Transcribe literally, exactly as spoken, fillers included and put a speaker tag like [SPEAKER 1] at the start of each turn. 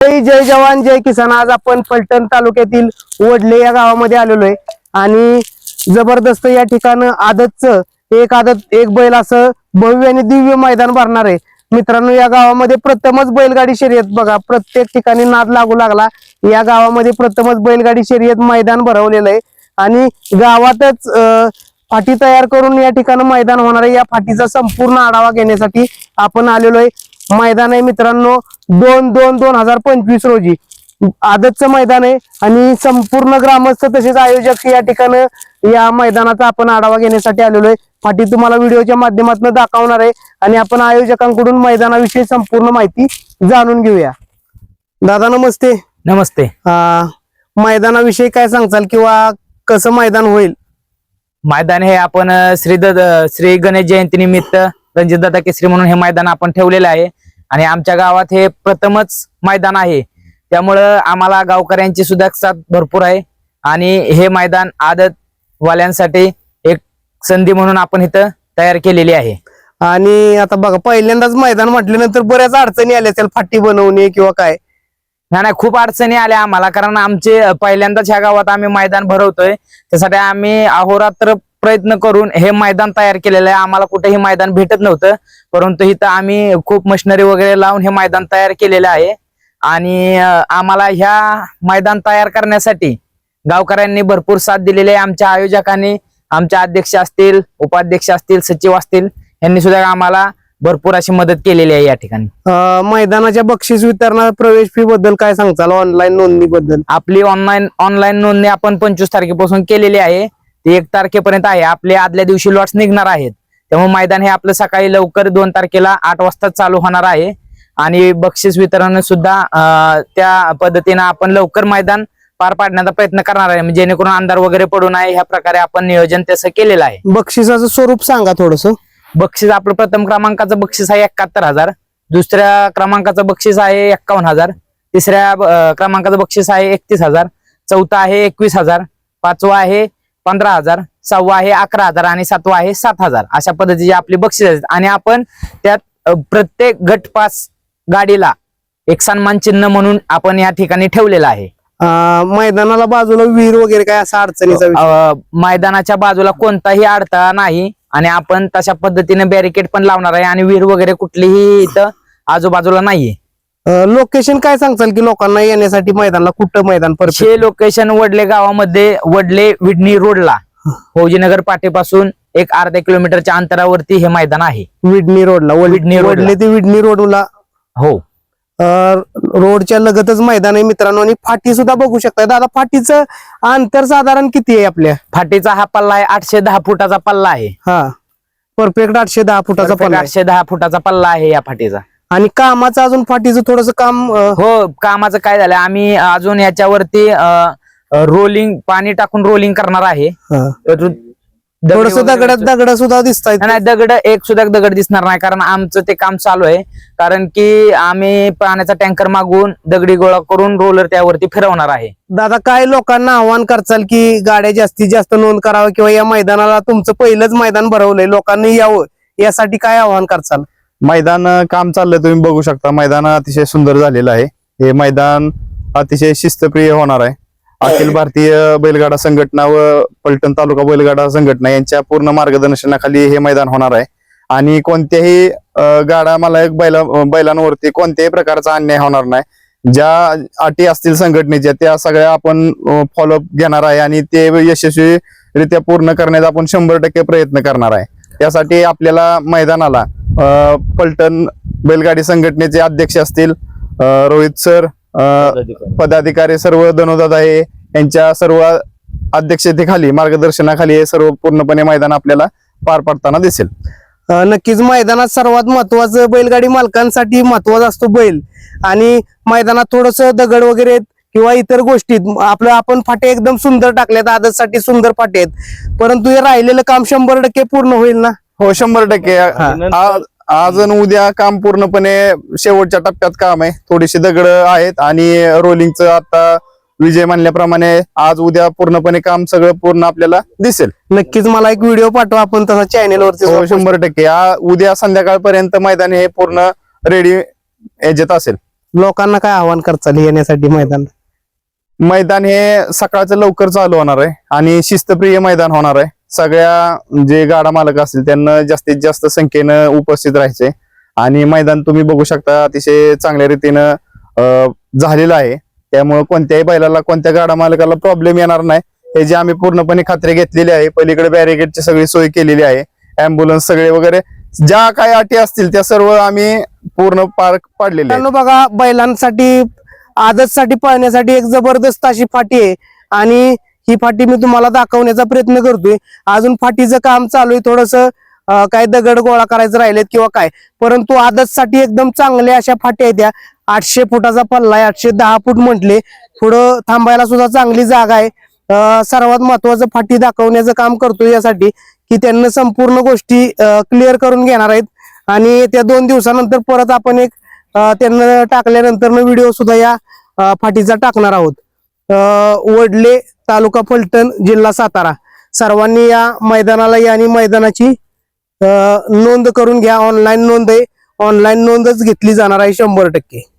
[SPEAKER 1] जय जय जवान जय किसान। आज आपण फलटण तालुक्यातील वडले या गावामध्ये आलेलो आहे आणि जबरदस्त या ठिकाणी आदतचं एक आदत एक बैल असं भव्य आणि दिव्य मैदान भरणार आहे मित्रांनो। या गावामध्ये प्रथमच बैलगाडी शर्यत बघा, प्रत्येक ठिकाणी नाद लागू लागला। या गावामध्ये प्रथमच बैलगाडी शर्यत मैदान भरवलेलं आहे आणि गावातच फाटी तयार करून या ठिकाणी मैदान होणार आहे। या फाटीचा संपूर्ण आढावा घेण्यासाठी आपण आलेलो आहे। मैदान आहे मित्रांनो दोन दोन दोन हजार पंचवीस रोजी आदतचं मैदान आहे आणि संपूर्ण ग्रामस्थ तसेच आयोजक या ठिकाणी या मैदानाचा आपण आढावा घेण्यासाठी आलेलो आहे। फाटी तुम्हाला व्हिडिओच्या माध्यमातून दाखवणार आहे आणि आपण आयोजकांकडून मैदानाविषयी संपूर्ण माहिती जाणून घेऊया। दादा नमस्ते।
[SPEAKER 2] नमस्ते।
[SPEAKER 1] मैदानाविषयी काय सांगचाल किंवा कसं मैदान होईल?
[SPEAKER 2] मैदान हे आपण श्री श्री गणेश जयंती निमित्त रणजितदादा केसरी म्हणून हे मैदान आपण ठेवलेलं आहे आणि आमच्या गावात हे प्रथमच मैदान आहे, त्यामुळं आम्हाला गावकऱ्यांची सुद्धा साथ भरपूर आहे आणि हे मैदान आदत वाल्यांसाठी एक संधी म्हणून आपण इथं तयार केलेली आहे।
[SPEAKER 1] आणि आता बघा पहिल्यांदाच मैदान म्हटल्यानंतर बऱ्याच अडचणी आल्या असेल फाटी बनवणे किंवा काय?
[SPEAKER 2] नाही नाही खूप अडचणी आल्या आम्हाला, कारण आमचे पहिल्यांदाच ह्या गावात आम्ही मैदान भरवतोय, त्यासाठी आम्ही अहोरात्र प्रयत्न करून हे मैदान तयार केलेलं आहे। आम्हाला कुठेही मैदान भेटत नव्हतं, परंतु इथं आम्ही खूप मशिनरी वगैरे लावून हे मैदान तयार केलेलं आहे आणि आम्हाला ह्या मैदान तयार करण्यासाठी गावकऱ्यांनी भरपूर साथ दिलेली आहे। आमच्या आयोजकांनी, आमच्या अध्यक्ष असतील, उपाध्यक्ष असतील, सचिव असतील, यांनी सुद्धा आम्हाला भरपूर अशी मदत केलेली आहे। या ठिकाणी
[SPEAKER 1] मैदानाच्या बक्षीस वितरणा प्रवेश फी बद्दल काय सांगताल? ऑनलाईन नोंदणी बद्दल?
[SPEAKER 2] आपली ऑनलाईन ऑनलाईन नोंदणी आपण पंचवीस तारखेपासून केलेली आहे, ती एक तारखेपर्यंत आहे। आपले आदल्या दिवशी लॉट्स निघणार आहेत, त्यामुळे मैदान हे आपलं सकाळी लवकर दोन तारखेला आठ वाजता चालू होणार आहे आणि बक्षीस वितरण सुद्धा त्या पद्धतीने आपण लवकर मैदान पार पाडण्याचा प्रयत्न करणार आहे, म्हणजे जेणेकरून अंधार वगैरे पडू नये ह्या प्रकारे आपण नियोजन तसं केलेलं आहे।
[SPEAKER 1] बक्षिसाचं स्वरूप सांगा थोडस।
[SPEAKER 2] बक्षीस आपलं प्रथम क्रमांकाचं बक्षीस आहे एकाहत्तर हजार, दुसऱ्या क्रमांकाचं बक्षीस आहे एक्कावन्न हजार, तिसऱ्या क्रमांकाचं बक्षीस आहे एकतीस हजार, चौथा आहे एकवीस हजार, पाचवा आहे पंधरा हजार, सहावा आहे अकरा हजार आणि सातवा आहे सात हजार। अशा पद्धतीची आपली बक्षीस आहेत आणि आपण त्यात प्रत्येक गट पास गाडीला एक सन्मान चिन्ह म्हणून आपण या ठिकाणी ठेवलेलं आहे।
[SPEAKER 1] मैदानाला बाजूला विहीर वगैरे काय असा अडचणीचा?
[SPEAKER 2] मैदानाच्या बाजूला कोणताही अडथळा नाही आणि आपण तशा पद्धतीने बॅरिकेड पण लावणार आहे आणि विहीर वगैरे कुठलीही इथं आजूबाजूला नाहीये।
[SPEAKER 1] लोकेशन काय सांगताल की लोकांना येण्यासाठी मैदानाला कुठं मैदान?
[SPEAKER 2] हे लोकेशन वडले गावामध्ये वडले विडणी रोडला फौजीनगर पाटीपासून एक अर्धा किलोमीटरच्या अंतरावरती हे मैदान आहे।
[SPEAKER 1] विडणी रोडला?
[SPEAKER 2] विडणी
[SPEAKER 1] वडले ते विडणी रोडला?
[SPEAKER 2] हो,
[SPEAKER 1] रोडच्या लगतच मैदान आहे मित्रांनो आणि फाटी सुद्धा बघू शकता। दादा फाटीचं अंतर साधारण किती आहे? आपल्या
[SPEAKER 2] फाटीचा हा पल्ला आहे आठशे दहा फुटाचा पल्ला आहे।
[SPEAKER 1] हा, परफेक्ट आठशे दहा फुटाचा पल्ला,
[SPEAKER 2] आठशे दहा फुटाचा पल्ला आहे या फाटीचा।
[SPEAKER 1] आणि कामाचं अजून फाटीचं थोडस काम?
[SPEAKER 2] हो, कामाचं काय झालं, आम्ही अजून याच्यावरती रोलिंग पाणी टाकून रोलिंग करणार आहे।
[SPEAKER 1] थोडस दगड दगड सुद्धा दिसतायत?
[SPEAKER 2] नाही, दगड एक सुद्धा दगड दिसणार नाही, कारण आमचं ते काम चालू आहे, कारण की आम्ही पाण्याचा टँकर मागवून दगडी गोळा करून रोलर त्यावरती फिरवणार आहे।
[SPEAKER 1] दादा काय लोकांना आव्हान करचाल की गाड्या जास्तीत जास्त नोंद करावं किंवा या मैदानाला तुमचं पहिलंच मैदान भरवलंय, लोकांनी यावं, यासाठी काय आव्हान करचाल?
[SPEAKER 3] मैदान काम चाललंय, तुम्ही बघू शकता। मैदान अतिशय सुंदर झालेलं आहे। हे मैदान अतिशय शिस्तप्रिय होणार आहे। अखिल भारतीय बैलगाडा संघटना व फलटण तालुका बैलगाडा संघटना यांच्या पूर्ण मार्गदर्शनाखाली हे मैदान होणार आहे आणि कोणत्याही गाडा मला एक बैला बैलांवरती कोणत्याही प्रकारचा अन्याय होणार नाही। ज्या अटी असतील संघटनेच्या त्या सगळ्या आपण फॉलोअप घेणार आहे आणि ते यशस्वीरित्या पूर्ण करण्याचा आपण शंभर टक्के प्रयत्न करणार आहे। त्यासाठी आपल्याला मैदानाला फलटण बैलगाडी संघटनेचे अध्यक्ष असतील रोहित सर, पदाधिकारी सर्व धनुदादा हे यांच्या सर्व अध्यक्षतेखाली मार्गदर्शनाखाली हे सर्व पूर्णपणे मैदान आपल्याला पार पाडताना दिसेल।
[SPEAKER 1] नक्कीच मैदानात सर्वात महत्वाचं बैलगाडी मालकांसाठी महत्वाचा असतो बैल, आणि मैदानात थोडस दगड वगैरे किंवा इतर गोष्टीत आपलं आपण फाटे एकदम सुंदर टाकल्यात, आदतसाठी सुंदर फाटे आहेत, परंतु हे राहिलेलं काम शंभर टक्के पूर्ण होईल ना?
[SPEAKER 3] हो, शंभर टक्के। आज आणि उद्या काम पूर्णपणे शेवटच्या टप्प्यात काम आहे। थोडीशी दगड आहेत आणि रोलिंगचं आता विजय म्हणल्याप्रमाणे आज उद्या पूर्णपणे काम सगळं पूर्ण आपल्याला दिसेल।
[SPEAKER 1] नक्कीच मला एक व्हिडिओ पाठवा आपण तसा चॅनेलवरती।
[SPEAKER 3] हो, शंभर टक्के। उद्या संध्याकाळपर्यंत मैदान हे पूर्ण रेडी याच्यात असेल।
[SPEAKER 1] लोकांना काय आव्हान करचाल येण्यासाठी मैदान?
[SPEAKER 3] मैदान हे सकाळचं लवकर चालू होणार आहे आणि शिस्तप्रिय मैदान होणार आहे. सगळ्या जे गाडा मालक असतील त्यांना जास्तीत जास्त संख्येनं उपस्थित राहायचंय आणि मैदान तुम्ही बघू शकता अतिशय चांगल्या रीतीनं अं, झालेलं आहे. त्यामुळे कोणत्याही बैलाला कोणत्या गाडा मालकाला प्रॉब्लेम येणार नाही हे जे आम्ही पूर्णपणे खात्री घेतलेली आहे. पलीकडे बॅरिकेडची सगळी सोय केलेली आहे, अँब्युलन्स सगळे वगैरे ज्या काही अटी असतील त्या सर्व आम्ही पूर्ण पार पाडलेले आहेत.
[SPEAKER 1] मित्रांनो बघा, बैलांसाठी आदतसाठी पळण्यासाठी एक जबरदस्त अशी फाटी आहे आणि ही फाटी मी तुम्हाला दाखवण्याचा प्रयत्न करतोय. अजून फाटीचं काम चालू आहे, थोडस काय दगड गोळा करायचं राहिलेत किंवा काय, परंतु आदतसाठी एकदम चांगल्या अशा फाट्या आहेत. त्या आठशे फुटाचा पल्ला आहे, आठशे दहा फूट म्हटले. पुढं थांबायला सुद्धा चांगली जागा आहे. अं, सर्वात महत्वाचं फाटी दाखवण्याचं काम करतोय यासाठी की त्यांना संपूर्ण गोष्टी क्लिअर करून घेणार आहेत आणि त्या दोन दिवसानंतर परत आपण एक अं, त्यांना टाकल्यानंतर व्हिडिओ सुद्धा या अं, फाटीचा टाकणार आहोत. अं, वडले, तालुका फलटण, जिल्हा सातारा. सर्वांनी या मैदानाला या आणि मैदानाची अं, नोंद करून घ्या. ऑनलाईन नोंद आहे, ऑनलाईन नोंदच घेतली जाणार आहे शंभर टक्के.